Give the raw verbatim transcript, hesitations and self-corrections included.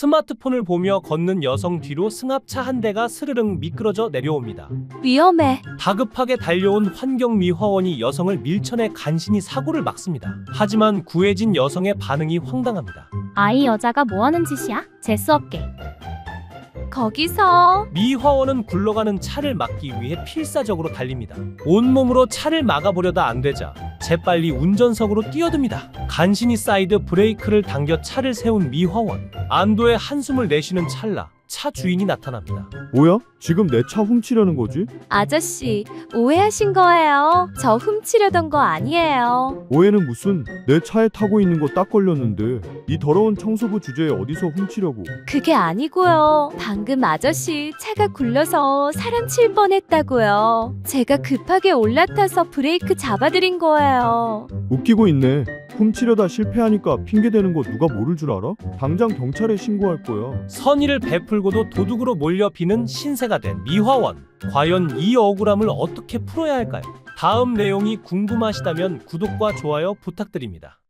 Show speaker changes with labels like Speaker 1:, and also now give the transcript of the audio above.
Speaker 1: 스마트폰을 보며 걷는 여성 뒤로 승합차 한 대가 스르릉 미끄러져 내려옵니다.
Speaker 2: 위험해.
Speaker 1: 다급하게 달려온 환경미화원이 여성을 밀쳐내 간신히 사고를 막습니다. 하지만 구해진 여성의 반응이 황당합니다.
Speaker 2: 아이 여자가 뭐하는 짓이야? 재수없게. 거기서.
Speaker 1: 미화원은 굴러가는 차를 막기 위해 필사적으로 달립니다. 온몸으로 차를 막아보려다 안 되자 재빨리 운전석으로 뛰어듭니다. 간신히 사이드 브레이크를 당겨 차를 세운 미화원. 안도의 한숨을 내쉬는 찰나 차 주인이 나타납니다.
Speaker 3: 뭐야? 지금 내 차 훔치려는 거지?
Speaker 2: 아저씨, 오해하신 거예요. 저 훔치려던 거 아니에요.
Speaker 3: 오해는 무슨? 내 차에 타고 있는 거 딱 걸렸는데 이 더러운 청소부 주제에 어디서 훔치려고?
Speaker 2: 그게 아니고요. 방금 아저씨 차가 굴러서 사람 칠 뻔했다고요. 제가 급하게 올라타서 브레이크 잡아드린 거예요.
Speaker 3: 웃기고 있네. 훔치려다 실패하니까 핑계대는 거 누가 모를 줄 알아? 당장 경찰에 신고할 거야.
Speaker 1: 선의를 베풀고도 도둑으로 몰려 비는 신세가 된 미화원. 과연 이 억울함을 어떻게 풀어야 할까요? 다음 내용이 궁금하시다면 구독과 좋아요 부탁드립니다.